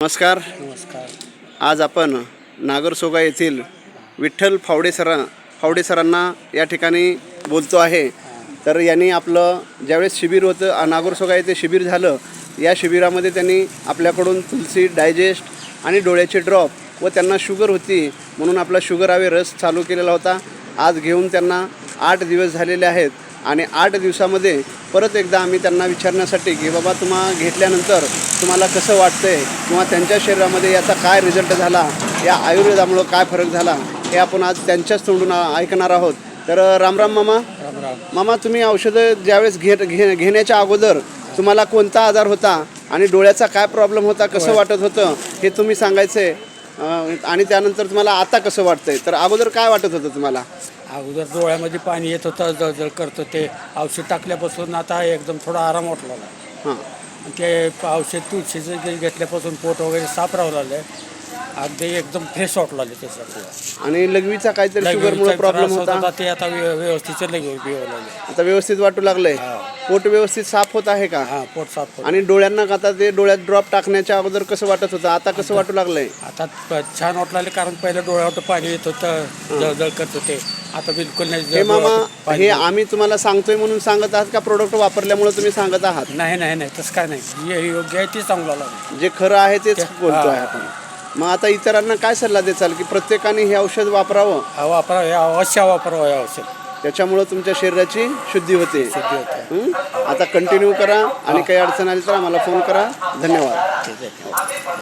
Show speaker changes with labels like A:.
A: नमस्कार.
B: नमस्कार.
A: आज आपण नागरसोगा येथील विठ्ठल फावडेसरांना या ठिकाणी बोलतो आहे. तर यांनी आपलं ज्यावेळेस शिबिर होतं नागरसोगा येथे शिबिर झालं, या शिबिरामध्ये त्यांनी आपल्याकडून तुलसी डायजेस्ट आणि डोळ्याचे ड्रॉप व त्यांना शुगर होती म्हणून आपला शुगर अवे रस चालू केलेला होता. आज घेऊन त्यांना 8 दिवस झालेले आहेत आणि 8 दिवसामध्ये परत एकदा आम्ही त्यांना विचारण्यासाठी की बाबा घेतल्यानंतर तुम्हाला कसं वाटतंय किंवा त्यांच्या शरीरामध्ये याचा काय रिझल्ट झाला, या आयुर्वेदामुळं काय फरक झाला, हे आपण आज त्यांच्याच तोंडून ऐकणार आहोत. तर रामराम मामा. मामा, तुम्ही औषधं ज्यावेळेस घेण्याच्या अगोदर तुम्हाला कोणता आजार होता आणि डोळ्याचा काय प्रॉब्लेम होता, कसं वाटत होतं हे तुम्ही सांगायचं आहे. आणि त्यानंतर तुम्हाला आता कसं वाटतंय, तर अगोदर काय वाटत होतं तुम्हाला?
B: अगोदर डोळ्यामध्ये पाणी येत होतं, जळजळ करत होते. औषध टाकल्यापासून आता एकदम थोडा आराम वाटला.
A: हां.
B: ते औषध तुळशीचं घेतल्यापासून पोट वगैरे साफ राहू लागलं. अगदी एकदम फ्रेश वाटू लागले त्याच्यात.
A: आणि लघवीचा काहीतरी शुगरमुळे प्रॉब्लेम होता,
B: ते आता व्यवस्थित लागले.
A: आता व्यवस्थित वाटू लागलंय. पोट व्यवस्थित साफ होत आहे का?
B: हां, पोट साफ.
A: आणि डोळ्यांना आता ते डोळ्यात ड्रॉप टाकण्याच्या अगोदर कसं वाटत होतं, आता कसं वाटू लागलंय?
B: आता छान वाटू लागले, कारण पहिलं डोळ्यावर पाणी येत होतं, जळजळ करत होते. आता बिलकुल नाही.
A: हे मामा, हे आम्ही तुम्हाला सांगतोय म्हणून सांगत आहात का प्रोडक्ट वापरल्यामुळे तुम्ही सांगत आहात?
B: नाही तसं काय नाही. योग्य आहे ते चांगलं लागलं.
A: जे खरं आहे तेच बोलतोय आपण. मग आता इतरांना काय सल्ला द्याल की प्रत्येकाने हे औषध वापरावं?
B: अवश्य वापरावं हे औषध.
A: त्याच्यामुळं तुमच्या शरीराची शुद्धी होते. आता कंटिन्यू करा आणि काही अडचण आली तर आम्हाला फोन करा. धन्यवाद.